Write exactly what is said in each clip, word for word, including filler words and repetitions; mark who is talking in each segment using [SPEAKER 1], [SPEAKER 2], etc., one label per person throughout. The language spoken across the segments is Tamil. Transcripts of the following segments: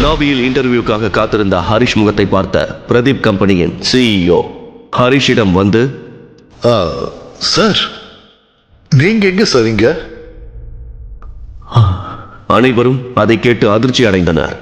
[SPEAKER 1] லாபியில் இன்டர்வியூக்காக காத்திருந்த ஹரிஷ் முகத்தை பார்த்த பிரதீப் கம்பெனியின் சிஇஓ ஹரிஷிடம் வந்து,
[SPEAKER 2] சார் நீங்க எங்க சார் இங்க?
[SPEAKER 1] அனைவரும் அதை கேட்டு அதிர்ச்சி அடைந்தனர்.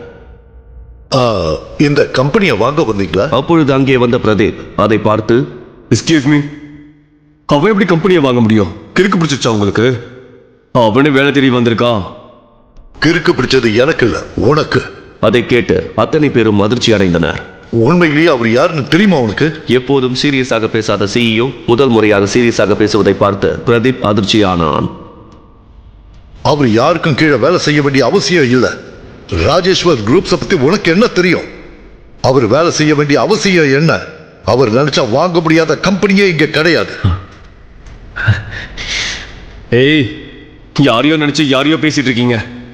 [SPEAKER 2] இந்த கம்பெனியை வாங்க வந்தீங்களா?
[SPEAKER 1] அப்பொழுது அங்கே வந்த பிரதீப் அதை பார்த்து,
[SPEAKER 3] எஸ்கியூஸ் மீ, அவன் எப்படி கம்பெனியை வாங்க முடியும்? கிறுக்கு பிடிச்சிருச்சா உங்களுக்கு? அவனே வேலை தேடி வந்திருக்கான்.
[SPEAKER 2] கிறுக்கு பிடிச்சது எனக்கு இல்ல, உனக்கு.
[SPEAKER 1] அதை கேட்டு அத்தனை பேரும் அதிர்ச்சி அடைந்தனர்.
[SPEAKER 2] உண்மையிலேயே அவர் யாருன்னு தெரியுமா உனக்கு?
[SPEAKER 1] எப்போதும் சீரியஸாக பேசாத சிஇஓ முதல் முறையாக சீரியஸாக பேசுவதை பார்த்து பிரதீப் அதிர்ச்சியானான்.
[SPEAKER 2] அவர் யாருக்கும் கீழே வேலை செய்ய வேண்டிய அவசியம் இல்லை. ராஜேஸ்வர் குரூப்ஸை பத்தி உனக்கு என்ன தெரியும்? அவர் வேலை செய்ய வேண்டிய அவசியம் என்ன? அவர் நினைச்சா வாங்க முடியாத கம்பெனியே இங்க கிடையாது.
[SPEAKER 3] ஏய், யாரையோ நினைச்சு யாரையோ பேசிட்டு இருக்கீங்க.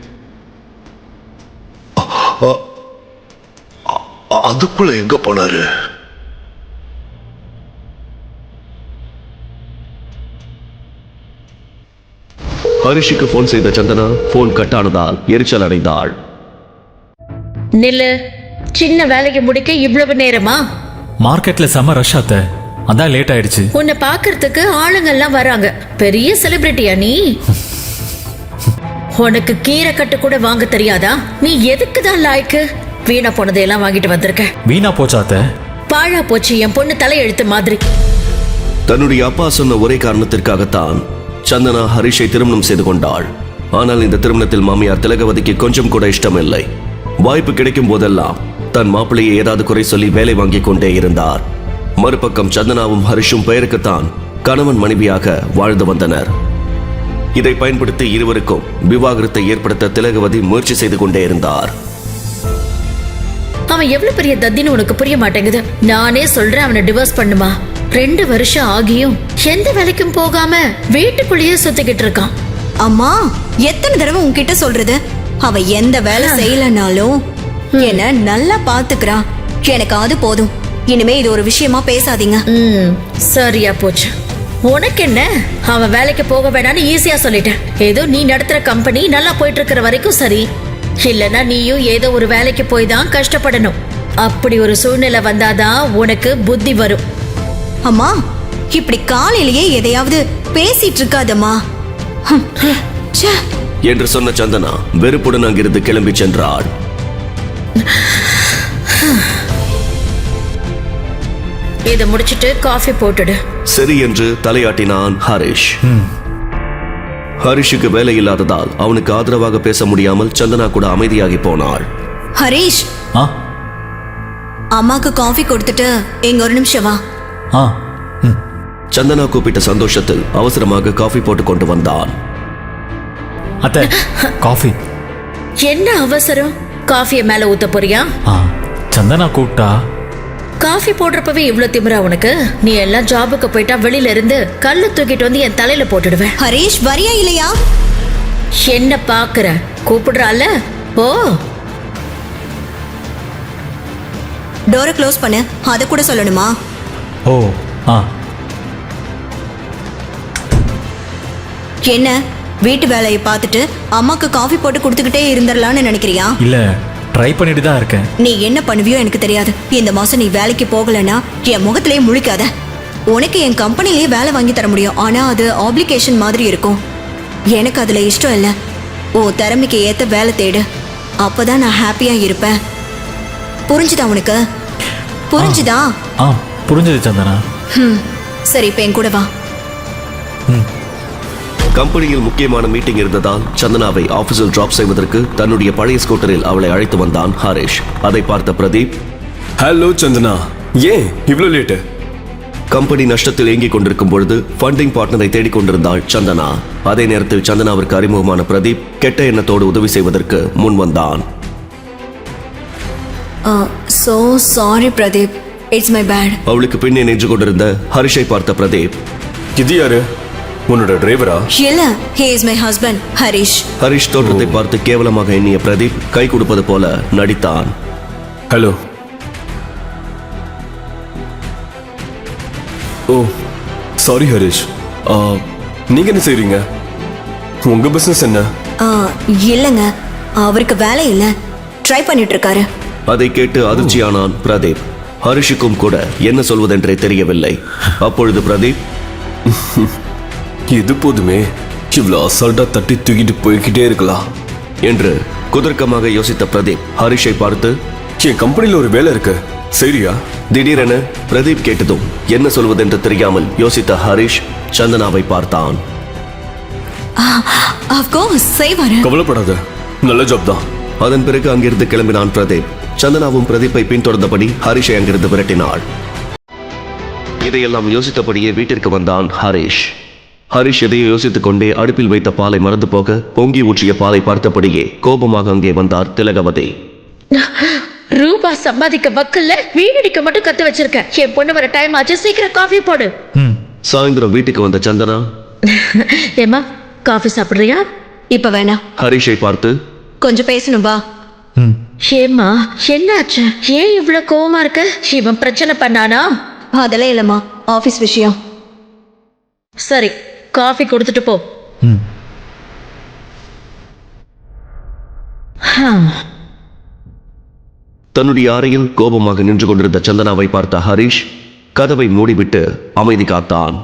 [SPEAKER 2] அதுக்குள்ள எங்க போனாரு?
[SPEAKER 1] ஹரிஷுக்கு போன் செய்த சந்தனா போன் கட் ஆனதால் எரிச்சல் அடைந்தாள்.
[SPEAKER 4] நில்லு, சின்ன வேலைக்கு முடிக்க இவ்வளவு நேரமா?
[SPEAKER 5] மார்க்கெட்ல செம ரஷ் ஆத்த, அதான் லேட் ஆயிடுச்சு.
[SPEAKER 4] உன்னை பாக்குறதுக்கு ஆளுங்க எல்லாம் வராங்க. பெரிய செலிபிரிட்டியா நீ? உனக்கு கீரை கட்டு கூட வாங்க தெரியாதா? நீ எதுக்கு தான் லாய்க்கு? வீணா போனதையெல்லாம் வாங்கிட்டு வந்திருக்க.
[SPEAKER 5] வீணா போச்சாத்த?
[SPEAKER 4] பாழா போச்சு என் பொண்ணு தலையெழுத்து மாதிரி.
[SPEAKER 1] தன்னுடைய அப்பா சொன்ன ஒரே காரணத்திற்காகத்தான் சந்தனா ஹரிஷை திருமணம் செய்து கொண்டாள். ஆனால் இந்த திருமணத்தில் மாமியார் திலகவதிக்கு கொஞ்சம் கூட இஷ்டமில்லை. வாய்ப்பு கிடைக்கும் போதெல்லாம் தன் மாப்பிள்ளையை ஏதாவது குறை சொல்லி வேலை வாங்கிக் கொண்டே இருந்தார். மறுபக்கம் சந்தனாவும் ஹரிஷும் பெயருக்குத்தான் கணவன் மனைவியாக வாழ்ந்து வந்தனர். இதை பயன்படுத்தி இருவருக்கும் விவாகரத்தை ஏற்படுத்த திலகவதி முயற்சி செய்து கொண்டே இருந்தார்.
[SPEAKER 4] அவன் எவ்வளவு பெரிய தத்தின்னு உனக்கு புரிய மாட்டேங்குது. நானே சொல்றேன் அவனை டிவோர்ஸ் பண்ணுமா. ரெண்டு வருஷம் ஆகியும் எந்த வேலைக்கும் போகாம வீட்டுக்குள்ளேயே சுத்திக்கிட்டு இருக்கான்.
[SPEAKER 6] அம்மா, எத்தனை தடவை உன்கிட்ட சொல்றது? அவ எந்த வேலை செய்யலனாலும் என்ன நல்லா பாத்துக்கிறான். எனக்கு அது போதும். இனிமே இது ஒரு விஷயமா பேசாதீங்க.
[SPEAKER 4] ம், சரியா போச்சு. உனக்கு என்ன? அவன் வேலைக்கு போக வேணான்னு ஈஸியா சொல்லிட்டேன். ஏதோ நீ நடத்துற கம்பெனி நல்லா போயிட்டு இருக்கிற வரைக்கும் சரி. இல்லனா நீயும் ஏதோ ஒரு வேலைக்கு போய் தான் கஷ்டப்படணும். அப்படி ஒரு சூழ்நிலை வந்தாதான் உனக்கு புத்தி வரும்.
[SPEAKER 6] அம்மா, இப்படி காலையிலேயே எதையாவது பேசிட்டு இருக்காதம்மா
[SPEAKER 1] என்று சொன்ன சந்தனா வெறுப்புடன் அங்கிருந்து கிளம்பி சென்றாள்.
[SPEAKER 4] இதை முடிச்சிட்டு காஃபி போட்டுடு.
[SPEAKER 1] சரி என்று தலையாட்டினான் ஹரிஷ். ஹரிஷுக்கு வேலை இல்லாததால் அவனுக்கு ஆதரவாக பேச முடியாமல் சந்தனா கூட அமைதியாகி போனாள்.
[SPEAKER 6] ஹரிஷ், அம்மாக்கு காஃபி கொடுத்துட்டு எங்க ஒரு நிமிஷம் வா.
[SPEAKER 1] சந்தனா கூப்பிட்ட சந்தோஷத்தில் அவசரமாக காஃபி போட்டு கொண்டு வந்தான்.
[SPEAKER 5] அத்தை, காஃபி.
[SPEAKER 4] என்ன அவசரம்? காஃபிய மேல ஊத்த போறியா?
[SPEAKER 5] சந்தனா கூப்பிட்டா.
[SPEAKER 4] காஃபி போடுறப்பவே இவ்வளவு திமிரா உனக்கு? நீ எல்லாம் ஜாபுக்கு போயிட்டா வெளியில இருந்து கல்லு தூக்கிட்டு வந்து என் தலையில போட்டுடுவேன்.
[SPEAKER 6] ஹரிஷ், வரியா இல்லையா?
[SPEAKER 4] என்ன பாக்குற? கூப்பிடுறால? ஓ,
[SPEAKER 6] டோரை க்ளோஸ் பண்ணு. அத கூட சொல்லணுமா?
[SPEAKER 5] ஓ, ஆ.
[SPEAKER 6] என்ன, வீட்டு வேலையை பார்த்துட்டு அம்மாக்கு காஃபி போட்டு கொடுத்துக்கிட்டே இருந்துடலான்னு நினைக்கிறியா?
[SPEAKER 5] இல்ல, ட்ரை பண்ணிட்டு தான் இருக்கேன்.
[SPEAKER 6] நீ என்ன பண்ணுவியோ எனக்கு தெரியாது. இந்த மாசம் நீ வேலைக்கு போகலன்னா என் முகத்திலேயே முழிக்காத. உனக்கு என் கம்பெனிலேயே வேலை வாங்கி தர முடியும். ஆனா அது ஆப்ளிகேஷன் மாதிரி இருக்கும். எனக்கு அதுல இஷ்டம் இல்லை. ஓ திறமைக்கு ஏத்த வேலை தேடு. அப்பதான் நான் ஹாப்பியா இருப்பேன். புரிஞ்சுதா உனக்கு? புரிஞ்சுதா?
[SPEAKER 5] ஆ, புரிஞ்சது சந்தனா.
[SPEAKER 6] ம், சரி, இப்ப என் கூட வா.
[SPEAKER 1] கம்பெனியில் முக்கியமான மீட்டிங் இருந்ததால் சந்தனாவை ஆபீஸில் டிராப் செய்வதற்கு தன்னுடைய பழைய ஸ்கூட்டரில் அவளை அழைத்து வந்தான் ஹரிஷ். அதை பார்த்த பிரதீப்,
[SPEAKER 3] ஹலோ சந்தனா, ஏன் இவ்வளவு லேட்டு?
[SPEAKER 1] கம்பெனி நஷ்டத்தில் இயங்கிக் கொண்டிருக்கும் பொழுது ஃபண்டிங் பார்ட்னரை தேடிக் கொண்டிருந்தாள் சந்தனா. அதே நேரத்தில் சந்தனாவிற்கு அறிமுகமான பிரதீப் கெட்ட எண்ணத்தோடு உதவி செய்வதற்கு முன் வந்தான்.
[SPEAKER 6] So sorry Pradeep, it's my bad.
[SPEAKER 1] அவளுக்கு பின்னே நின்று கொண்டிருந்த ஹரிஷை பார்த்த பிரதீப்,
[SPEAKER 3] இது யாரு? உன்னோட டிரைவரா?
[SPEAKER 6] இல்ல, he is my husband, Harish.
[SPEAKER 1] Harish தோற்றத்தை பார்த்து கேவலமாக எண்ணிய பிரதீப் கை கொடுப்பது போல நடித்தான்.
[SPEAKER 3] ஹலோ. ஓ சாரி ஹரிஷ், நீங்க என்ன செய்றீங்க? உங்க பிசினஸ் என்ன?
[SPEAKER 6] இல்லைங்க, அவருக்கு வேலை இல்லை. ட்ரை பண்ணிட்டு இருக்காரு.
[SPEAKER 1] அதை கேட்டு அதிர்ச்சியானான் பிரதீப். ஹரிஷுக்கும் கூட என்ன சொல்வதென்றே தெரியவில்லை. அப்பொழுது பிரதீப்,
[SPEAKER 3] இது போதுமே, இவ்வளோ அசால்ட்டா தட்டி தூக்கிட்டு போய்கிட்டே இருக்கலாம்
[SPEAKER 1] என்று குதர்க்கமாக யோசித்த பிரதீப் ஹரிஷை பார்த்து,
[SPEAKER 3] என் கம்பெனியில் ஒரு வேலை இருக்கு, சரியா?
[SPEAKER 1] திடீரென பிரதீப் கேட்டதும் என்ன சொல்வதென்று தெரியாமல் யோசித்த ஹரிஷ் சந்தனாவை பார்த்தான்.
[SPEAKER 6] அஃப்கோர்ஸ் செய்வாரு.
[SPEAKER 3] கவலைப்படாத, நல்ல ஜாப் தான்.
[SPEAKER 1] அதன் பிறகு அங்கிருந்து கிளம்பினான் பிரதீப். சந்தனாவும் பிரதீப்பை பின்தொடர்ந்தபடி ஹரிஷை அங்கிருந்து விரட்டினாள். இதையெல்லாம் யோசித்தபடியே வீட்டிற்கு வந்தான் ஹரிஷ். ஹரிஷ் எதையோ யோசித்துக் கொண்டே அடுப்பில் வைத்த பாலை மறந்து போக பொங்கி ஊற்றிய பாலை பார்த்தபடியே கோபமாக அங்கே வந்தார் திலகவதி.
[SPEAKER 4] ரூபா சம்பாதிக்க வக்கல்ல வீடடிக்க மட்டும் கத்து வச்சிருக்க. என் பொண்ணு வர டைம் ஆச்சு, சீக்கிரம் காஃபி போடு.
[SPEAKER 1] சாயந்தரம் வீட்டுக்கு வந்த சந்தனா,
[SPEAKER 4] ஏமா காஃபி சாப்பிடுறியா?
[SPEAKER 6] இப்ப வேணாம்.
[SPEAKER 1] ஹரிஷை பார்த்து,
[SPEAKER 6] கொஞ்சம் பேசணும் வா.
[SPEAKER 4] ஏம்மா என்னாச்சு? ஏன் இவ்வளவு கோவமா இருக்க? இவன் பிரச்சனை பண்ணானா?
[SPEAKER 6] அதெல்லாம் இல்லம்மா, ஆபீஸ் விஷயம்.
[SPEAKER 4] சரி, காஃபி கொடுத்துட்டு போ. ஹம்.
[SPEAKER 1] தன்னுடைய அறையில் கோபமாக நின்று கொண்டிருந்த சந்தனாவை பார்த்த ஹரிஷ் கதவை மூடிவிட்டு அமைதி காத்தான்.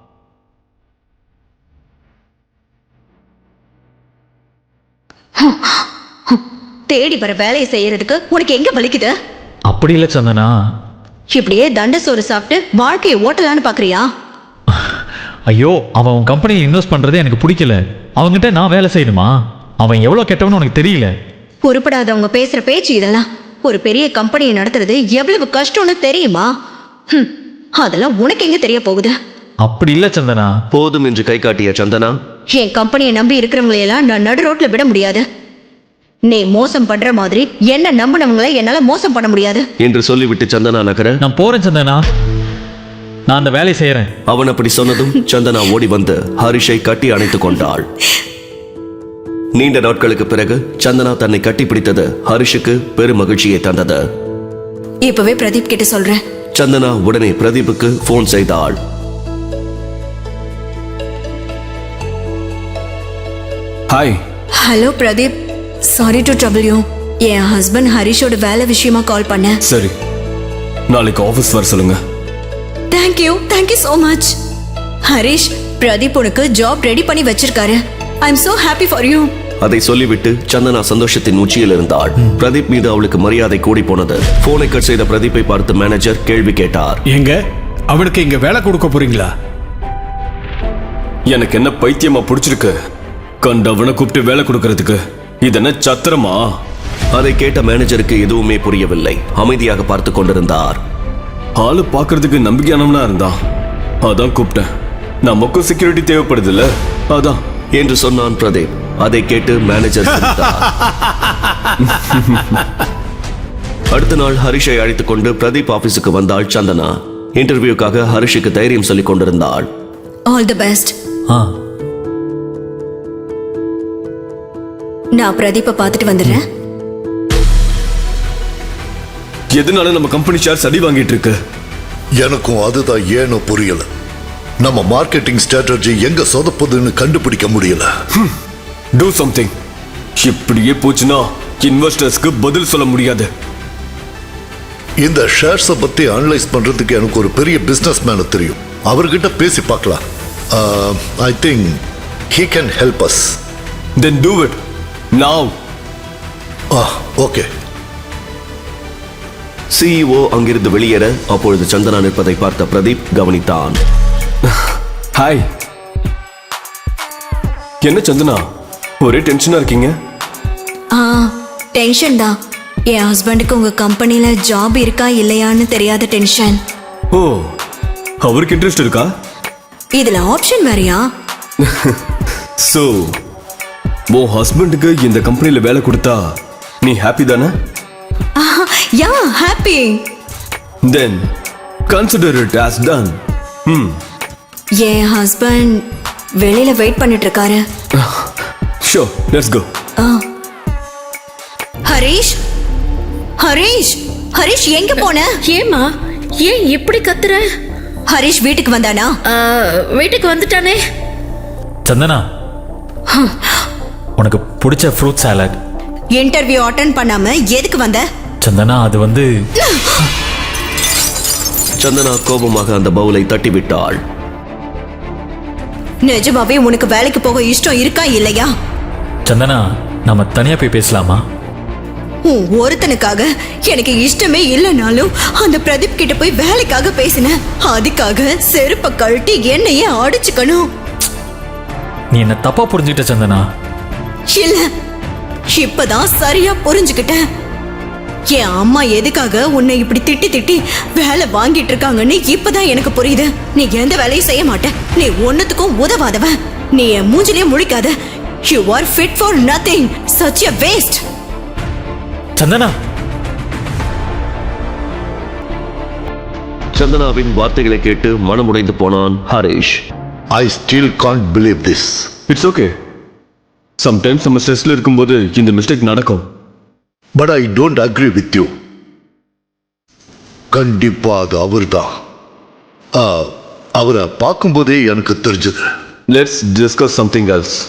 [SPEAKER 6] தேடி வர வேலையை செய்யறதுக்கு உனக்கு எங்க வலிக்குது?
[SPEAKER 5] அப்படி இல்லை சந்தனா.
[SPEAKER 6] இப்படியே தண்ட சோறு சாப்பிட்டு வாழ்க்கையை ஓட்டலான்னு பாக்குறியா?
[SPEAKER 5] ஐயோ, அவன் உன் கம்பெனியில் இன்வெஸ்ட் பண்றதே எனக்கு பிடிக்கல. அவங்ககிட்ட நான் வேலை செய்யணுமா? அவன் எவ்வளோ கெட்டவனு உனக்கு தெரியல.
[SPEAKER 6] பொறுப்படாதவங்க பேசுற பேச்சு இதெல்லாம். ஒரு பெரிய கம்பெனியை நடத்துறது எவ்வளவு கஷ்டம்னு தெரியுமா? ஹம், அதெல்லாம் உனக்கு எங்க தெரிய போகுது?
[SPEAKER 5] அப்படி இல்லை சந்தனா.
[SPEAKER 1] போதும் என்று கை காட்டிய சந்தனா,
[SPEAKER 6] என் கம்பெனியை நம்பி இருக்கிறவங்களையெல்லாம் நான் நடு ரோட்ல விட முடியாது. நீ மோசம் பண்ற மாதிரி என்ன நம்பினவங்களை என்னால மோசம் பண்ண முடியாது
[SPEAKER 1] என்று சொல்லிவிட்டு சந்தனா நகர,
[SPEAKER 5] நான் போறேன் சந்தனா, நான் அந்த வேலையை செய்யறேன்.
[SPEAKER 1] அவன் அப்படி சொன்னதும் சந்தனா ஓடி வந்து ஹரிஷை கட்டி அணைத்துக் கொண்டாள். நீண்ட நாட்களுக்கு பிறகு சந்தனா தன்னை கட்டிப்பிடித்தது ஹரிஷுக்கு பெரும் மகிழ்ச்சியை தந்தது.
[SPEAKER 6] இப்பவே பிரதீப் கிட்ட சொல்றேன்.
[SPEAKER 1] சந்தனா உடனே பிரதீப்புக்கு போன் செய்தாள்.
[SPEAKER 3] Hi.
[SPEAKER 6] Hello Pradeep, sorry to trouble you. என் ஹஸ்பண்ட் ஹரிஷோட வேலை விஷயமா கால் பண்ணேன்.
[SPEAKER 3] சரி, நாளைக்கு ஆஃபீஸ் வர சொல்லுங்க.
[SPEAKER 6] Thank you thank you so much. Harish, Pradeep உனக்கு ஜாப் ரெடி பண்ணி வச்சிருக்காரு. I am so happy for you.
[SPEAKER 1] அதை சொல்லிவிட்டு சந்தனா சந்தோஷத்தின் உச்சியில் இருந்தாள். பிரதீப் மீது அவளுக்கு மரியாதை கூடி போனது. போனை கட் செய்த பிரதீப்பை பார்த்து மேனேஜர் கேள்வி கேட்டார்.
[SPEAKER 7] எங்க அவனுக்கு இங்க வேலை கொடுக்க போறீங்களா?
[SPEAKER 3] எனக்கு என்ன பைத்தியமா பிடிச்சிருக்கு கண்டவனை கூப்பிட்டு வேலை கொடுக்கறதுக்கு? இதென்ன சத்திரமா?
[SPEAKER 1] அதை கேட்ட மேனேஜருக்கு எதுவுமே புரியவில்லை. அமைதியாக பார்த்து கொண்டிருந்தார்.
[SPEAKER 3] ஆளு பாக்குறதுக்கு நம்பிக்கையானவனா இருந்தான், அதான் கூப்பிட்டேன். நமக்கும் செக்யூரிட்டி தேவைப்படுது இல்ல, அதான்
[SPEAKER 1] என்று சொன்னான் பிரதீப். அதை கேட்டு மேனேஜர் சிரித்தார். அடுத்த நாள் ஹரிஷை அழைத்துக் கொண்டு பிரதீப் ஆபீஸுக்கு வந்தாள் சந்தனா. இன்டர்வியூக்காக ஹரிஷுக்கு தைரியம் சொல்லிக் கொண்டிருந்தாள்.
[SPEAKER 6] All the best.
[SPEAKER 5] ஆ,
[SPEAKER 6] நான் பிரதீப்பை பார்த்துட்டு வந்துடுறேன்.
[SPEAKER 3] எதனால நம்ம கம்பெனி ஷேர்ஸ் அடி வாங்கிட்டு இருக்கு?
[SPEAKER 2] எனக்கும் அதுதான் ஏனோ புரியல. நம்ம மார்க்கெட்டிங் ஸ்ட்ராட்டஜி எங்க சொதப்புதுன்னு கண்டுபிடிக்க முடியல.
[SPEAKER 3] Do something. இப்படியே போச்சுன்னா இன்வெஸ்டர்ஸ்க்கு பதில் சொல்ல முடியாது.
[SPEAKER 2] இந்த ஷேர்ஸை பத்தி அனலைஸ் பண்றதுக்கு எனக்கு ஒரு பெரிய பிசினஸ் மேன தெரியும். அவர்கிட்ட பேசி பார்க்கலாம். I think he can help us.
[SPEAKER 3] Then do it now.
[SPEAKER 2] Okay.
[SPEAKER 1] CEO அங்கிருந்து வெளியேற அப்பொழுது சந்தனா நிற்பதை பார்த்த பிரதீப் கவனித்தான்.
[SPEAKER 3] ஹாய். என்ன சந்தனா, ஒரே டென்ஷனா இருக்கீங்க?
[SPEAKER 6] ஆ, டென்ஷன் தான். என் ஹஸ்பண்டுக்கு உங்க கம்பெனில ஜாப் இருக்கா இல்லையான்னு தெரியாத டென்ஷன்.
[SPEAKER 3] ஓ, அவருக்கு இன்ட்ரெஸ்ட் இருக்கா?
[SPEAKER 6] இதுல ஆப்ஷன் வேறயா?
[SPEAKER 3] சோ உன் ஹஸ்பண்டுக்கு இந்த கம்பெனில வேலை கொடுத்தா நீ ஹாப்பி தானே?
[SPEAKER 6] Yeah, happy.
[SPEAKER 3] Then consider it as done. ம்.
[SPEAKER 6] என் ஹஸ்பண்ட் வெளியில வெயிட் பண்ணிட்டு இருக்காரு.
[SPEAKER 3] Sure, let's go.
[SPEAKER 6] Harish, Harish, Harish எங்க போன?
[SPEAKER 4] ஏமா ஏன் இப்படி கத்துற?
[SPEAKER 6] ஹரிஷ் வீட்டுக்கு வந்தானா?
[SPEAKER 4] ஆ, வீட்டுக்கு வந்துட்டானே.
[SPEAKER 5] சந்தனா, உனக்கு பிடிச்ச ஃப்ரூட் சாலட்
[SPEAKER 6] இன்டர்வியூ அட்டன் பண்ணாம எதுக்கு வந்த?
[SPEAKER 5] சந்தனா அது வந்து
[SPEAKER 1] சந்தனா கோபமாக அந்த பவுலை தட்டிவிட்டாள்.
[SPEAKER 6] நிஜமாவே உனக்கு வேலைக்கு போக இஷ்டம் இருக்கா இல்லையா?
[SPEAKER 5] சந்தனா நம்ம தனியா போய் பேசலாமா?
[SPEAKER 6] உன் ஒருத்தனுக்காக எனக்கு இஷ்டமே இல்லைனாலும் அந்த பிரதீப் கிட்ட போய் வேலைக்காக பேசினேன். அதுக்காக செருப்ப கழட்டி என்னையே அடிச்சுக்கணும்.
[SPEAKER 5] நீ என்ன தப்பா புரிஞ்சுக்கிட்ட சந்தனா.
[SPEAKER 6] இல்ல, இப்பதான் சரியா புரிஞ்சுக்கிட்டேன். என் அம்மா எதுக்காக உன்னை இப்படி திட்டி திட்டி வேலை வாங்கிட்டு இருக்காங்கன்னு இப்பதான் எனக்கு புரியுது. நீ எந்த வேலையும் செய்ய மாட்ட, நீ ஒன்னுத்துக்கும் உதவாதவ. நீ என் மூஞ்சிலே முழிக்காத. You are fit for nothing. Such a waste.
[SPEAKER 5] Santhana
[SPEAKER 1] சந்தனாவின் வார்த்தைகளை கேட்டு மனமுடைந்து போனான் Harish.
[SPEAKER 2] I still can't believe this.
[SPEAKER 3] It's okay. Sometimes நம்ம ஸ்ட்ரெஸ்ல இருக்கும்போது இந்த மிஸ்டேக் நடக்கும்.
[SPEAKER 2] But I don't agree with you. கண்டிப்பா அது அவர்தான். ஆ, அவரை பார்க்கும்போதே எனக்கு தெரிஞ்சது.
[SPEAKER 3] Let's discuss something else.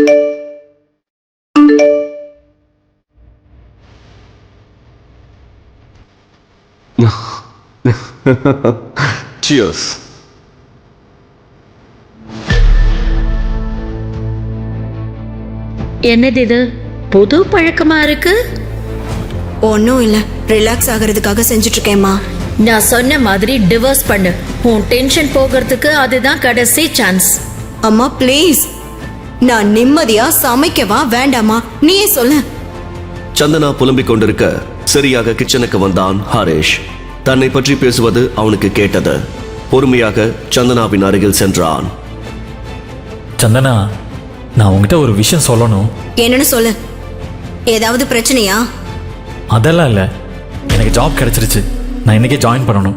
[SPEAKER 3] Cheers.
[SPEAKER 4] என்னது இது புது பழக்கமா இருக்கு?
[SPEAKER 6] ஒன்னும் இல்ல, ரிலாக்ஸ் ஆகிறதுக்காக செஞ்சுட்டு இருக்கேம்மா.
[SPEAKER 4] நான் சொன்ன மாதிரி டிவோர்ஸ் பண்ணு. உன் டென்ஷன் போகிறதுக்கு அதுதான் கடைசி சான்ஸ்.
[SPEAKER 6] அம்மா ப்ளீஸ், நான் நிம்மதியா சமைக்கவா வேண்டாமா நீயே சொல்லு.
[SPEAKER 1] சந்தனா புலம்பிக் கொண்டிருக்க சரியாக கிச்சனுக்கு வந்தான் ஹரிஷ். தன்னை பற்றி பேசுவது அவனுக்கு கேட்டது. பொறுமையாக சந்தனாவின் அருகில் சென்றான்.
[SPEAKER 5] சந்தனா நான் உங்ககிட்ட ஒரு விஷயம் சொல்லணும்.
[SPEAKER 6] என்னன்னு சொல்லு. ஏதாவது பிரச்சனையா?
[SPEAKER 5] அதெல்லாம் இல்லை, எனக்கு ஜாப் கிடைச்சிருச்சு. நான் இன்னைக்கே ஜாயின் பண்ணணும்.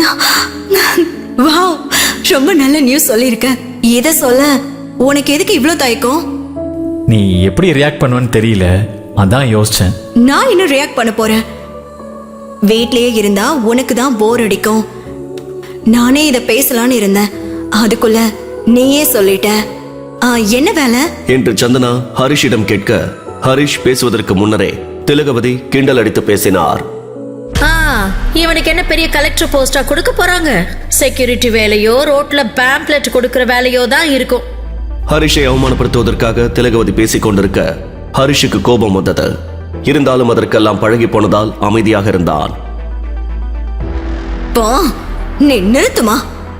[SPEAKER 6] வாவ், ரொம்ப நல்ல நியூஸ் சொல்லியிருக்க. இதை சொல்ல உனக்கு எதுக்கு இவ்வளோ தயக்கம்?
[SPEAKER 5] நீ எப்படி ரியாக்ட் பண்ணுவேன்னு தெரியல, அதான் யோசிச்சேன்.
[SPEAKER 6] நான் இன்னும் ரியாக்ட் பண்ண போறேன். வீட்லயே இருந்தா உனக்கு தான் போர் அடிக்கும். நானே இதை பேசலான்னு இருந்தேன், அதுக்குள்ள நீயே சொல்லிட்ட. ஆ, என்ன வேலை
[SPEAKER 1] என்று சந்தனா ஹரிஷிடம் கேட்க, ஹரிஷ் பேசுவதற்கு முன்னரே திலகவதி கிண்டல் அடித்து பேசினார்.
[SPEAKER 4] ஆ, இவனுக்கு என்ன பெரிய கலெக்டர் போஸ்டா கொடுக்க போறாங்க? செக்யூரிட்டி வேலையோ ரோட்ல பேம்ப்ளெட் கொடுக்கிற வேலையோ தான் இருக்கும்.
[SPEAKER 1] ஹரிஷை அவமானப்படுத்துவதற்காக திலகவதி பேசிக் கொண்டிருக்க ஹரிஷுக்கு கோபம் வந்தது. இருந்தாலும் அதற்கெல்லாம் பழகி போனதால் அமைதியாக இருந்தான்.
[SPEAKER 6] போ, நீ நிறுத்துமா.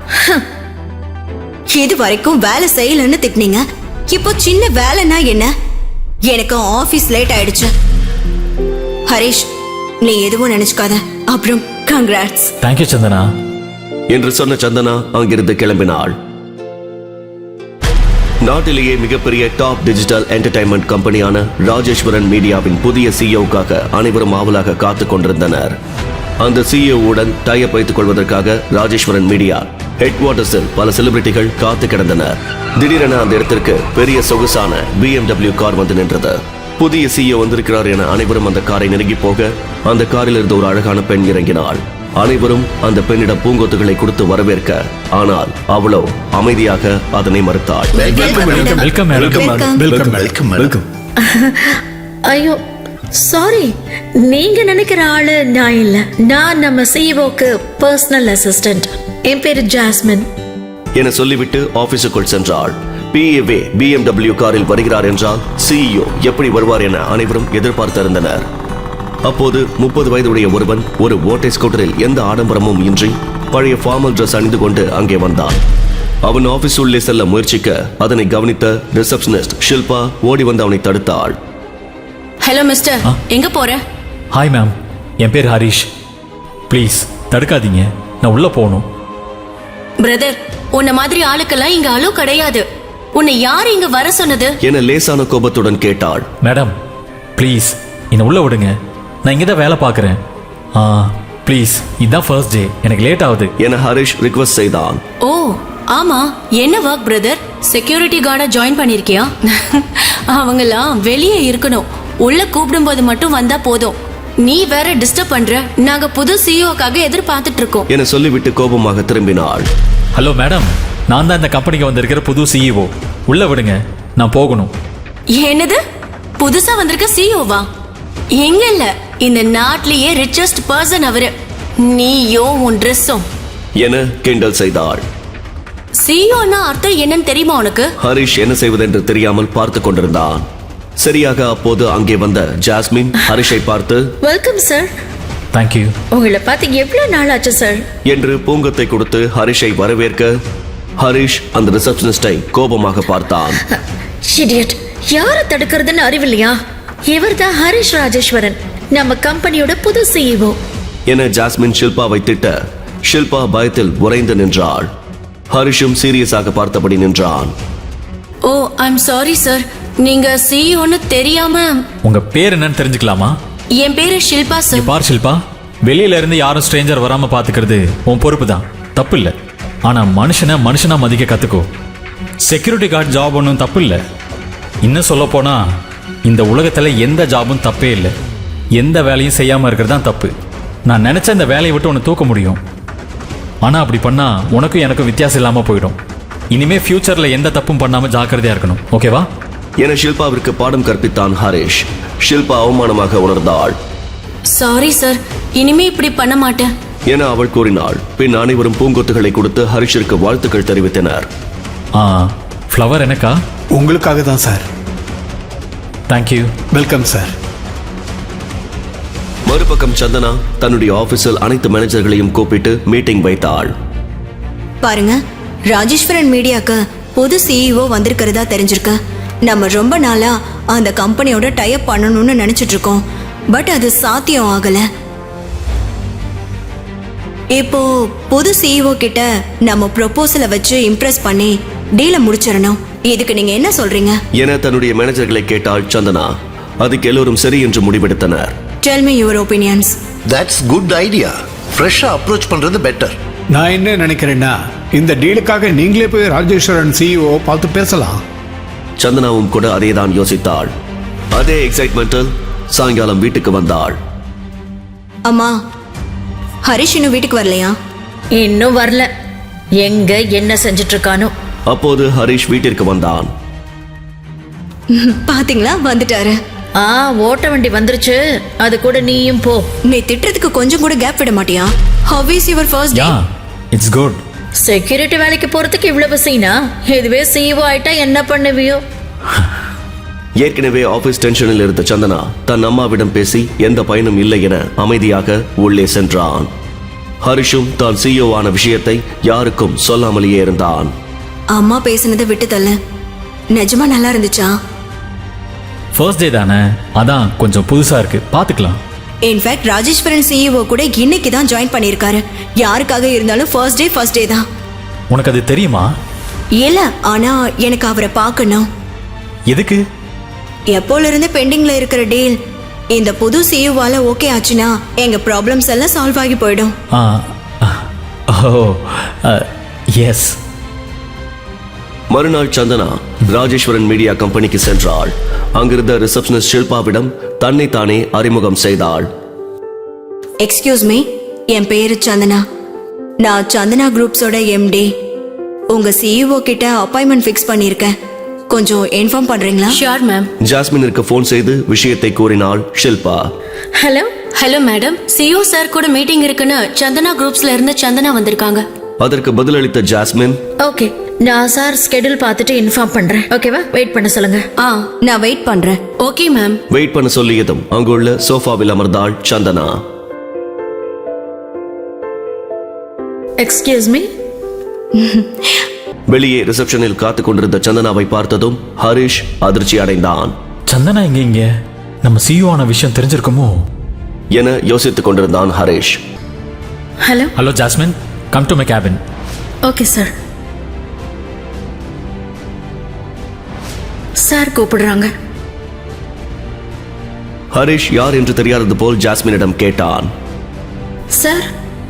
[SPEAKER 6] இது வரைக்கும் வேலை செய்யலன்னு திட்டினீங்க, இப்போ சின்ன வேலைன்னா என்ன? எனக்கு ஆபீஸ் லேட் ஆயிடுச்சு. ஹரிஷ், நீ எதுவும் நினைச்சுக்காத. அப்புறம் கங்க்ராட்ஸ்.
[SPEAKER 5] தேங்க்யூ சந்தனா
[SPEAKER 1] என்று சொன்ன சந்தனா அங்கிருந்து கிளம்பினாள். நாட்டிலேயே மிகப்பெரிய டாப் டிஜிட்டல் என்டர்டைன்மெண்ட் கம்பெனியான ராஜேஸ்வரன் மீடியாவின் புதிய சிஇஓக்காக அனைவரும் ஆவலாக காத்துக் கொண்டிருந்தனர். அந்த சிஇஓவுடன் டைப் வைத்துக் கொள்வதற்காக ராஜேஸ்வரன் மீடியா ஹெட் குவார்ட்டர்ஸில் பல செலிபிரிட்டிகள் காத்து கிடந்தனர். திடீரென அந்த இடத்திற்கு பெரிய சொகுசான பி எம் டபிள்யூ கார் வந்து நின்றது. புதிய சிஇஓ வந்திருக்கிறார் என அனைவரும் அந்த காரை நெருங்கி போக அந்த காரில் இருந்து ஒரு அழகான பெண் இறங்கினாள். அனைவரும் அந்த பெண்ணிடம் பூங்கொத்துகளை கொடுத்து வரவேற்க, ஆனால் அவளோ அமைதியாக அதனை மறுத்தாள்.
[SPEAKER 5] Welcome
[SPEAKER 7] welcome.
[SPEAKER 4] ஐயோ சாரி, நீங்க நினைக்கிற ஆளு நான் இல்ல. நான் நம்ம சிஇஓக்கு பர்சனல் அசிஸ்டன்ட். என் பேரு ஜாஸ்மின்
[SPEAKER 1] என சொல்லிவிட்டு ஆபீஸுக்குள் சென்றாள். பிஏவே பி எம் டபிள்யூ காரில் வருகிறார் என்றால் சிஇஓ எப்படி வருவார் என அனைவரும் எதிர்பார்த்திருந்தனர். அப்போது முப்பது வயதுடைய ஒருவன் ஒரு ஓட்டை ஸ்கூட்டரில் எந்த ஆடம்பரமும் இன்றி பழைய ஃபார்மல் டிரெஸ் அணிந்து கொண்டு அங்கே வந்தான். அவன் ஆபீஸ் உள்ளே செல்ல முயற்சிக்க அதனை கவனித்த ரிசப்ஷனிஸ்ட் ஷில்பா ஓடி வந்து அவனை தடுத்தாள்.
[SPEAKER 8] ஹலோ மிஸ்டர், எங்க போற?
[SPEAKER 5] ஹாய் மேம், என் பேர் ஹரிஷ். ப்ளீஸ் தடுக்காதீங்க, நான் உள்ள போகணும்.
[SPEAKER 8] பிரதர், உன்ன மாதிரி ஆளுக்கெல்லாம் இங்க அலோ கிடையாது. உன்னை யார் இங்க வர சொன்னது?
[SPEAKER 1] என லேசான கோபத்துடன் கேட்டாள்.
[SPEAKER 5] மேடம் ப்ளீஸ் என்னை உள்ள விடுங்க, நான் இங்கே தான் வேலை பார்க்குறேன். ஆ ப்ளீஸ், இதுதான் ஃபர்ஸ்ட் டே, எனக்கு லேட் ஆகுது
[SPEAKER 1] என ஹரிஷ் ரிக்வெஸ்ட் செய்தான்.
[SPEAKER 8] ஓ ஆமா, என்ன ஒர்க் பிரதர்? செக்யூரிட்டி கார்டா ஜாயின் பண்ணிருக்கியா? அவங்கெல்லாம் வெளியே இருக்கணும், உள்ள கூப்பிடும்போது மட்டும் வந்தா போதும். நீ வேற டிஸ்டர்ப் பண்ற. நாங்க புது சிஇஓக்காக எதிர்பார்த்துட்டு இருக்கோம்
[SPEAKER 1] என சொல்லிவிட்டு கோபமாக திரும்பினாள்.
[SPEAKER 5] ஹலோ மேடம், நான் தான் இந்த கம்பெனிக்கு வந்திருக்கிற புது சிஇஓ. உள்ள விடுங்க, நான் போகணும்.
[SPEAKER 8] என்னது, புதுசா வந்திருக்க சிஇஓவா? எங்க இல்ல இந்த நாட்டிலேயே ரிச்சஸ்ட் பர்சன் அவரு. நீயோ உன் ட்ரெஸ்ஸும்.
[SPEAKER 1] என கிண்டல் செய்தாள்.
[SPEAKER 8] சிஇஓன்னா அர்த்தம் என்னன்னு தெரியுமா உனக்கு?
[SPEAKER 1] ஹரிஷ் என்ன செய்வதென்று தெரியாமல் பார்த்து கொண்டிருந்தான். சரியாக அப்போது அங்கே வந்த ஜாஸ்மின் ஹரிஷை பார்த்து
[SPEAKER 4] வெல்கம் சார்.
[SPEAKER 5] தேங்க்யூ.
[SPEAKER 4] உங்களை பார்த்து எவ்வளவு நாள் ஆச்சு சார்
[SPEAKER 1] என்று பூங்கத்தை கொடுத்து ஹரிஷை வரவேற்க ஹரிஷ் அந்த ரிசப்ஷனிஸ்டை கோபமாக பார்த்தான்.
[SPEAKER 4] இடியட், யாரை தடுக்கிறதுன்னு அறிவில்லையா? இவர்தான் ஹரிஷ் ராஜேஸ்வரன், நம்ம கம்பெனியோட புது சிஇஓ
[SPEAKER 1] என ஜாஸ்மின் ஷில்பாவை திட்ட ஷில்பா பயத்தில் உறைந்து நின்றாள். ஹரிஷும் சீரியஸாக பார்த்தபடி நின்றான்.
[SPEAKER 8] ஓ ஐம் சாரி சார், நீங்க சிஇஓன்னு தெரியாம.
[SPEAKER 5] உங்க பேர் என்னன்னு தெரிஞ்சுக்கலாமா?
[SPEAKER 8] என் பேரு ஷில்பா
[SPEAKER 5] நீ
[SPEAKER 8] சார்.
[SPEAKER 5] பார் ஷில்பா, வெளியில இருந்து யாரும் ஸ்ட்ரேஞ்சர் வராம பாத்துக்கிறது உன் பொறுப்பு தான், தப்பு இல்லை. ஆனா மனுஷனை மனுஷனா மதிக்க கத்துக்கோ. செக்யூரிட்டி கார்டு ஜாப் ஒன்றும் தப்பு இல்லை. இன்னும் சொல்ல போனா இந்த உலகத்துல எந்த ஜாபும் தப்பே இல்லை. எந்த வேலையும் செய்யாம இருக்கிறது தான் தப்பு. நான் நினைச்ச இந்த வேலையை விட்டு உன்னை தூக்க முடியும். ஆனா அப்படி பண்ணா உனக்கும் எனக்கும் வித்தியாசம் இல்லாம போயிடும். இனிமே ஃபியூச்சர்ல எந்த தப்பும் பண்ணாம ஜாக்கிரதையா இருக்கணும், ஓகேவா?
[SPEAKER 1] என ஷில்பாவிற்கு பாடம் கற்பித்தான் ஹரிஷ். ஷில்பா அவமானமாக உணர்ந்தாள்.
[SPEAKER 8] சாரி சார், இனிமே இப்படி பண்ண மாட்டேன்
[SPEAKER 1] என அவள் கூறினாள். பின் அனைவரும் பூங்கொத்துகளை கொடுத்து ஹரிஷிற்கு வாழ்த்துக்கள் தெரிவித்தனர்.
[SPEAKER 5] ஆ, ஃப்ளவர் எனக்கா?
[SPEAKER 7] உங்களுக்காக தான் சார்.
[SPEAKER 5] தேங்க்யூ.
[SPEAKER 7] Welcome sir.
[SPEAKER 1] மறுபக்கம் சந்தனா தன்னுடைய ஆபீஸில் அனைத்து மேனேஜர்களையும் கூப்பிட்டு மீட்டிங் வைத்தாள்.
[SPEAKER 6] பாருங்க, ராஜேஸ்வரன் மீடியாக்கு புது சிஇஓ வந்திருக்கிறதா தெரிஞ்சிருக்கு. நம்ம ரொம்ப நாளா அந்த கம்பெனியோட டைப் பண்ணணும்னு நினைச்சிட்டு இருக்கோம். பட் அது சாத்தியம் ஆகல. இப்போ புது சிஇஓ கிட்ட நம்ம ப்ரொபோசலை வச்சு இம்ப்ரெஸ் பண்ணி டீலை முடிச்சிடணும். இதுக்கு நீங்க என்ன சொல்றீங்க?
[SPEAKER 1] என தன்னுடைய மேனேஜர்களை கேட்டாள் சந்தனா. அதுக்கு எல்லோரும் சரி என்று முடிவெடுத்தனர்.
[SPEAKER 6] Tell me your opinions.
[SPEAKER 2] That's good idea. ஃப்ரெஷ்ஷா அப்ரோச் பண்றது பெட்டர்.
[SPEAKER 7] நான் என்ன நினைக்கிறேன்னா, இந்த டீலுக்காக நீங்களே போய் ராஜேஸ்வரன் சிஇஓ பார்த்து பேசலாம்.
[SPEAKER 1] சந்தனாவும் கூட அதேதான் யோசித்தாள். அதே எக்ஸைட்மெண்டில் சாயங்காலம் வீட்டுக்கு வந்தாள்.
[SPEAKER 6] அம்மா, ஹரிஷ் இன்னும் வீட்டுக்கு வரலையா?
[SPEAKER 4] இன்னும் வரல. எங்க என்ன செஞ்சுட்டு இருக்கானோ.
[SPEAKER 1] அப்போது ஹரிஷ் வீட்டிற்கு வந்தான்.
[SPEAKER 6] பாத்தீங்களா, வந்துட்டாரு.
[SPEAKER 4] ஆ, ஓட்ட வண்டி வந்துருச்சு. அது கூட நீயும் போ.
[SPEAKER 6] நீ திட்டுறதுக்கு கொஞ்சம் கூட கேப் விட மாட்டியா? How is your first day?
[SPEAKER 5] Yeah, it's good.
[SPEAKER 4] Security வேலைக்கு போறதுக்கு இவ்வளவு சீனா? இதுவே சிஇஓ ஆயிட்டா என்ன பண்ணுவியோ?
[SPEAKER 1] ஏற்கனவே ஆபீஸ் டென்ஷனில் இருந்த சந்தனா தன் அம்மாவிடம் பேசி எந்த பயனும் இல்லை என அமைதியாக உள்ளே சென்றான். ஹரிஷும் தான் சிஇஓ ஆன விஷயத்தை யாருக்கும் சொல்லாமலேயே இருந்தான்.
[SPEAKER 6] அம்மா பேசினதை விட்டு தள்ள. நிஜமா நல்லா இருந்துச்சா?
[SPEAKER 5] ஃபர்ஸ்ட் டே தானே, அதான் கொஞ்சம் புதுசா இருக்கு, பாத்துக்கலாம்.
[SPEAKER 6] இன்ஃபேக்ட் ராஜேஸ்வரன் சிஇஓ கூட இன்னைக்கு தான் ஜாயின் பண்ணியிருக்காரு. யாருக்காக இருந்தாலும் ஃபர்ஸ்ட் டே ஃபர்ஸ்ட் டே தான்.
[SPEAKER 5] உனக்கு அது தெரியுமா?
[SPEAKER 6] இல்ல, ஆனா எனக்கு அவரை பார்க்கணும்.
[SPEAKER 5] எதுக்கு?
[SPEAKER 6] எப்போல இருந்து பெண்டிங்ல இருக்கிற டீல் இந்த புது சிஇஓவால ஓகே ஆச்சுன்னா எங்க ப்ராப்ளம்ஸ் எல்லாம் சால்வ் ஆகி போயிடும்.
[SPEAKER 5] ஆ, ஓ, எஸ்.
[SPEAKER 1] மறுநாள் சந்தனா ராஜேஸ்வரன் மீடியா கம்பெனிக்கு சென்றாள். அங்கிருந்த ரிசப்ஷனிஸ்ட் ஷில்பாவிடம் தன்னை தானே அறிமுகம் செய்தாள்.
[SPEAKER 6] எக்ஸ்கியூஸ் மீ, என் பேரு சந்தனா. நான் சந்தனா குரூப்ஸோட எம்டி. உங்க சிஇஓ கிட்ட அப்பாயின்மெண்ட் ஃபிக்ஸ் பண்ணியிருக்கேன். கொஞ்சம் இன்ஃபார்ம் பண்றீங்களா?
[SPEAKER 8] Sure ma'am.
[SPEAKER 1] ஜாஸ்மினிற்கு போன் செய்து விஷயத்தை கூறினாள் Shilpa.
[SPEAKER 4] Hello
[SPEAKER 8] hello madam, CEO sir கூட மீட்டிங் இருக்குன்னு சந்தனா குரூப்ஸ்ல இருந்து சந்தனா வந்திருக்காங்க.
[SPEAKER 1] அதற்கு பதிலளித்த ஜாஸ்மின்,
[SPEAKER 4] ஓகே, நான் சார் ஸ்கெடியூல் பார்த்துட்டு இன்ஃபார்ம் பண்றேன். ஓகேவா? வெயிட் பண்ண சொல்லுங்க.
[SPEAKER 8] ஆ,
[SPEAKER 6] நான் வெயிட் பண்றேன்.
[SPEAKER 8] Okay ma'am.
[SPEAKER 1] வெயிட் பண்ண சொல்லியதும் அங்குள்ள சோஃபாவில் அமர்ந்தாள் சந்தனா.
[SPEAKER 4] Excuse me.
[SPEAKER 1] வெளியே ரிசப்ஷனில் காத்துக் கொண்டிருந்த சந்தனாவை பார்த்ததும் ஹரிஷ் அதிர்ச்சி அடைந்தான்.
[SPEAKER 5] சந்தனா எங்க இங்க? நம்ம சிஇஓ ஆன விஷயம் தெரிஞ்சிருக்குமோ
[SPEAKER 1] என யோசித்துக் கொண்டிருந்தான் Harish.
[SPEAKER 4] Hello
[SPEAKER 5] hello Jasmine, come to my cabin.
[SPEAKER 4] Okay sir. Sir கூப்பிடுறாங்க.
[SPEAKER 1] ஹரிஷ் யார் என்று தெரியாதது போல் ஜாஸ்மினிடம் கேட்டான்.
[SPEAKER 4] சார்,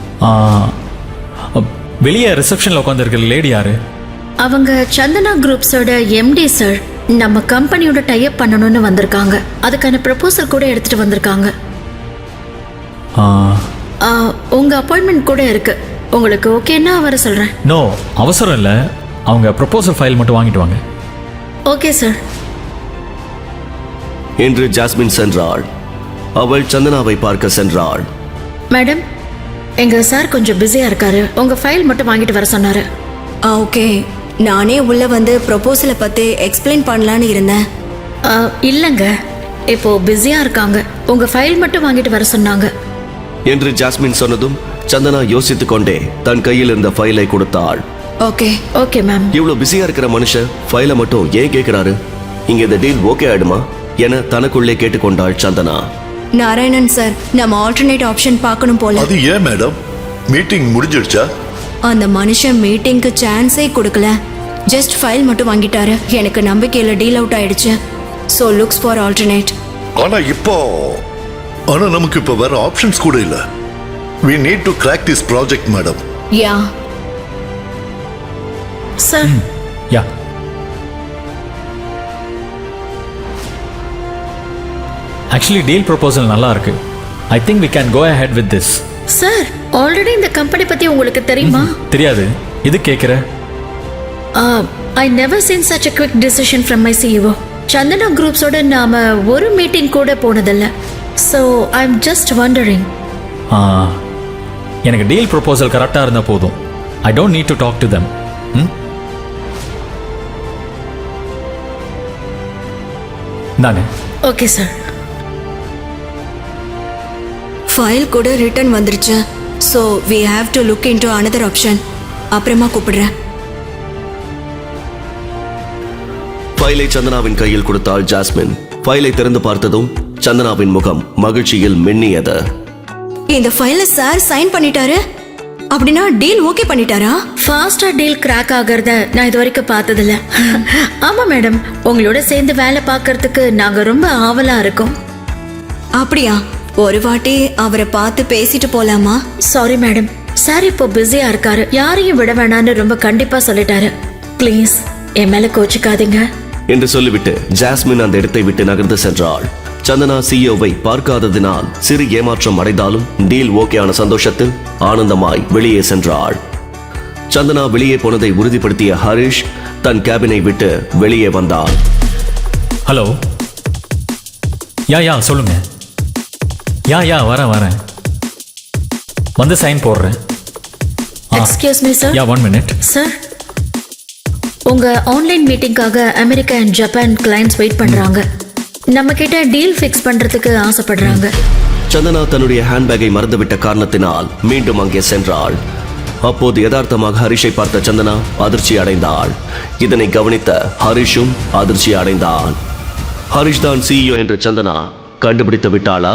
[SPEAKER 5] வெளியே ரிசப்ஷன்ல உட்காந்துருக்கிற லேடி யாரு?
[SPEAKER 4] அவங்க சந்தனா குரூப்ஸோட எம்டி சார். நம்ம கம்பெனியோட டைப் பண்ணணும்னு வந்திருக்காங்க. அதுக்கான ப்ரப்போசல் கூட எடுத்துட்டு வந்திருக்காங்க.
[SPEAKER 5] ஆ,
[SPEAKER 4] ஆ, உங்க அப்பாயின்மெண்ட் கூட இருக்கு. உங்களுக்கு ஓகேன்னா வர சொல்றேன்.
[SPEAKER 5] நோ, அவசரம் இல்லை. அவங்க ப்ரொபோசல் ஃபைல் மட்டும் வாங்கிட்டு வாங்க.
[SPEAKER 4] Okay sir.
[SPEAKER 1] என்று ஜாஸ்மின் சென்றாள். அவள் சந்தனாவை பார்க்க சென்றாள்.
[SPEAKER 4] மேடம், எங்க சார் கொஞ்சம் பிஸியா இருக்காரு. உங்க ஃபைல் மட்டும் வாங்கிட்டு வர சொன்னாரு.
[SPEAKER 6] ஆ ஓகே. நானே உள்ள வந்து ப்ரொபோசலை பத்தி எக்ஸ்பிளைன் பண்ணலான்னு இருந்தேன்.
[SPEAKER 4] ஆ, இல்லைங்க, இப்போ பிஸியா இருக்காங்க. உங்க ஃபைல் மட்டும் வாங்கிட்டு வர சொன்னாங்க.
[SPEAKER 1] என்று ஜாஸ்மின் சொன்னதும் சந்தனா யோசித்துக் கொண்டே தன் கையில் இருந்த ஃபைலை கொடுத்தாள்.
[SPEAKER 6] ஓகே.
[SPEAKER 4] Okay ma'am.
[SPEAKER 1] இவ்வளவு பிஸியா இருக்கிற மனுஷன் ஃபைலை மட்டும் ஏன் கேட்கிறாரு? இங்க இந்த டீல் ஓகே ஆயிடுமா என தனக்குள்ளே கேட்டுக்கொண்டாள் சந்தனா.
[SPEAKER 6] நாராயணன் சார், நம்ம ஆல்டர்னேட் ஆப்ஷன் பார்க்கணும் போல.
[SPEAKER 2] அது ஏன் மேடம்? மீட்டிங் முடிஞ்சிடுச்சா?
[SPEAKER 6] அந்த மனுஷன் மீட்டிங்க்கு சான்ஸே கொடுக்கல. ஜஸ்ட் ஃபைல் மட்டும் வாங்கிட்டாரு. எனக்கு நம்பிக்கையில டீல் அவுட் ஆயிடுச்சு. So looks for alternate.
[SPEAKER 2] ஆனா இப்போ ஆனா நமக்கு இப்போ வேற ஆப்ஷன்ஸ் கூட இல்ல. we need to crack this project madam.
[SPEAKER 6] Yeah
[SPEAKER 4] sir,
[SPEAKER 5] yeah actually deal proposal நல்லா இருக்கு. I think we can go ahead with this.
[SPEAKER 4] Sir, already இந்த கம்பெனி பத்தி உங்களுக்கு தெரியுமா?
[SPEAKER 5] தெரியாது, இது கேட்குற.
[SPEAKER 4] I never seen such a quick decision from my CEO. Chandana குரூப்ஸோட நாம ஒரு மீட்டிங் கூட போனதில்ல. So I am just wondering.
[SPEAKER 5] எனக்கு டீல் ப்ரொபோசல் கரெக்டாக இருந்தால் போதும். I don't need to talk to them. தானே?
[SPEAKER 4] Okay sir.
[SPEAKER 6] ஃபைல் கூட ரிட்டர்ன் வந்துருச்சு. So we have to look into another option. அப்புறமா கூப்பிடுறேன்.
[SPEAKER 1] ஃபைலை சந்தனாவின் கையில் கொடுத்தாள் ஜாஸ்மின். ஃபைலை திறந்து பார்த்ததும் சந்தனாவின் முகம் மகிழ்ச்சியில் மின்னியது.
[SPEAKER 6] இந்த ஃபைல சார் சைன் பண்ணிட்டாரு. அப்படின்னா டீல் ஓகே பண்ணிட்டாரா?
[SPEAKER 4] ஃபாஸ்டா டீல் கிராக் ஆகிறத நான் இது வரைக்கும் பார்த்ததில்ல. ஆமா மேடம், உங்களோட சேர்ந்து வேலை பார்க்கறதுக்கு நாங்க ரொம்ப ஆவலா இருக்கோம்.
[SPEAKER 6] அப்படியா? ஒரு வாட்டி அவரை பார்த்து பேசிட்டு போலாமா?
[SPEAKER 4] சாரி மேடம், சார் இப்போ பிஸியா இருக்காரு. யாரையும் விட வேணான்னு ரொம்ப கண்டிப்பா சொல்லிட்டாரு. ப்ளீஸ் என் மேல கோச்சிக்காதீங்க
[SPEAKER 1] என்று சொல்லிவிட்டு ஜாஸ்மின் அந்த இடத்தை விட்டு நகர்ந்து சென்றாள். சந்தனா சிஇஓவை பார்க்காததினால் சிறு ஏமாற்றம் அடைந்தாலும் டீல் ஓகேயான சந்தோஷத்தில் ஆனந்தமாய் வெளியே சென்றாள். சந்தனா வெளியே போனதை உறுதிப்படுத்திய ஹரிஷ் தன் கேபினை விட்டு வெளியே வந்தார்.
[SPEAKER 5] ஹலோ. யா யா சொல்லுங்க. யா யா வரேன் வரேன் வந்து சைன் போடுறேன்.
[SPEAKER 4] Excuse me sir.
[SPEAKER 5] Yeah one minute.
[SPEAKER 4] Sir, உங்க ஆன்லைன் மீட்டிங்காக America and Japan clients wait பண்றாங்க. நம்ம கிட்ட டீல் ஃபிக்ஸ் பண்றதுக்கு ஆசைப்படுறாங்க.
[SPEAKER 1] சந்தனா தன்னுடைய ஹேண்ட்பேக்கை மறந்துவிட்ட காரணத்தினால் மீண்டும் அங்கே சென்றாள். அப்போது யதார்த்தமாக ஹரிஷை பார்த்த சந்தனா அதிர்ச்சி அடைந்தாள். இதனை கவனித்த ஹரிஷும் அதிர்ச்சி அடைந்தான். ஹரிஷ் தான் சிஇஓ என்று சந்தனா கண்டுபிடித்து விட்டாளா?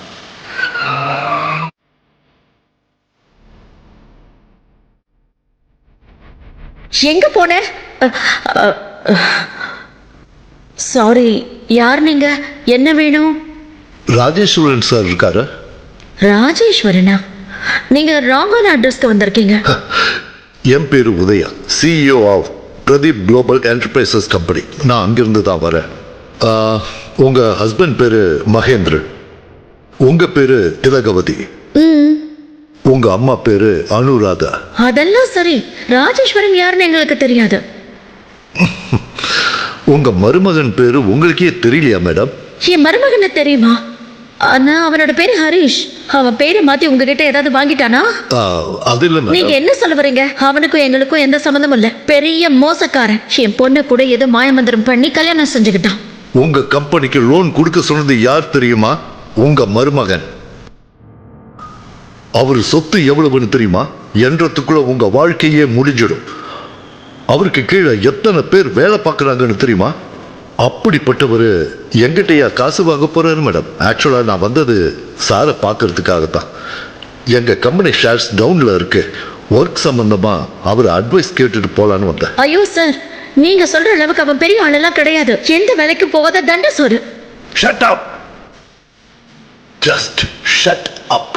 [SPEAKER 4] எங்க போன? சாரி, யார் நீங்க? என்ன வேணும்?
[SPEAKER 2] ராஜேஸ்வரன் சார் இருக்காரு?
[SPEAKER 4] ராஜேஸ்வரனா? நீங்க ராங்கான அட்ரஸ்க்கு வந்திருக்கீங்க.
[SPEAKER 2] என் பேரு Udaya, CEO of Pradeep global enterprises company. நான் அங்கிருந்து தான் வரேன். ஆ, உங்க ஹஸ்பண்ட் பேரு மகேந்திரன், உங்க பேரு திலகவதி, உங்க அம்மா பேரு அனுராதா.
[SPEAKER 4] அதெல்லாம் சரி, ராஜேஸ்வரன் யாருன்னு எங்களுக்கு தெரியாது.
[SPEAKER 2] உங்க மருமகன் பேரு உங்களுக்கே தெரியலையா மேடம்?
[SPEAKER 4] என் மருமகனை தெரியுமா? ஆனா அவனோட பேரு ஹரிஷ். அவன் பேரை மாத்தி உங்ககிட்ட ஏதாவது வாங்கிட்டானா?
[SPEAKER 2] ஆ, அது இல்ல
[SPEAKER 4] நீங்க
[SPEAKER 2] மேடம்.
[SPEAKER 4] என்ன சொல்ல வரீங்க? அவனுக்கும் எங்களுக்கும் எந்த சம்மந்தமும் இல்ல. பெரிய மோசக்காரன். என் பொண்ணு கூட ஏதோ மாயமந்திரம் பண்ணி கல்யாணம் செஞ்சுக்கிட்டான்.
[SPEAKER 2] உங்க கம்பெனிக்கு லோன் கொடுக்க சொன்னது யார் தெரியுமா? உங்க மருமகன். அவர் சொத்து எவ்வளவுன்னு தெரியுமா? என்றதுக்குள்ள உங்க வாழ்க்கையே முடிஞ்சிடும். அவருக்கு கீழே எத்தனை பேர் வேலை பார்க்குறாங்கன்னு தெரியுமா? அப்படிப்பட்டவர் எங்கிட்டயா காசு வாங்க போறாரு மேடம்? ஆக்சுவலாக நான் வந்தது சாரை பார்க்கறதுக்காகத்தான். எங்கள் கம்பெனி ஷேர்ஸ் டவுனில் இருக்கு. ஒர்க் சம்பந்தமா அவர் அட்வைஸ் கேட்டுட்டு போலான்னு வந்தேன்.
[SPEAKER 4] ஐயோ சார், நீங்க சொல்ற அளவுக்கு அவன் பெரிய ஆளெல்லாம் கிடையாது. எந்த வேலைக்கு போகாத தண்ட சோறு.
[SPEAKER 2] Shut up, just shut up.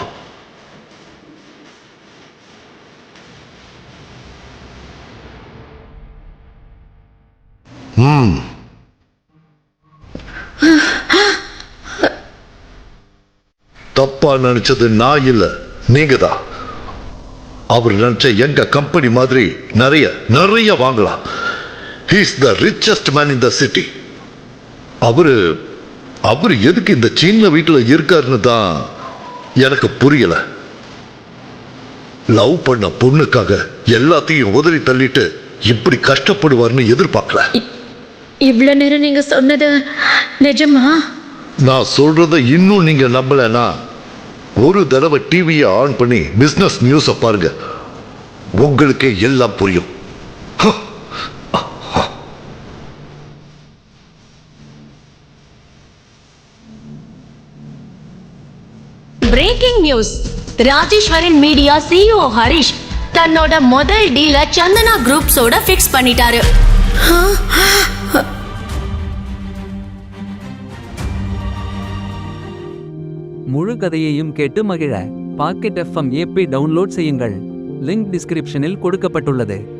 [SPEAKER 2] ம் தப்பா நினைச்சது நான் இல்ல, நீங்க தான். அவர் நினைச்ச எங்க கம்பெனி மாதிரி நிறைய நிறைய வாங்கலாம். He is the richest man in the city. அவரு அவர் எதுக்கு இந்த சின்ன வீட்டுல இருக்காருன்னு தான் எனக்கு புரியல. லவ் பண்ண பொண்ணுக்காக எல்லாத்தையும் உதறி தள்ளிட்டு இப்படி கஷ்டப்படுவார்னு எதிர்பார்க்கல.
[SPEAKER 4] இவ்வளவு நேரம் நீங்க சொன்னது நிஜமா?
[SPEAKER 2] நான் சொல்றத இன்னும் நீங்க நம்பலனா ஒரு தடவை டிவியை ஆன் பண்ணி பிசினஸ் நியூஸை பாருங்க, உங்களுக்கே எல்லாம் புரியும்.
[SPEAKER 8] Breaking news. Rajeswaran media CEO Harish தன்னோட முதல் டீல சந்தனா குரூப்ஸோட ஃபிக்ஸ் பண்ணிட்டாரு.
[SPEAKER 9] முழு கதையையும் கேட்டு மகிழ பாக்கெட் எஃப்எம் ஏபி டவுன்லோட் செய்யுங்கள். லிங்க் டிஸ்கிரிப்ஷனில் கொடுக்கப்பட்டுள்ளது.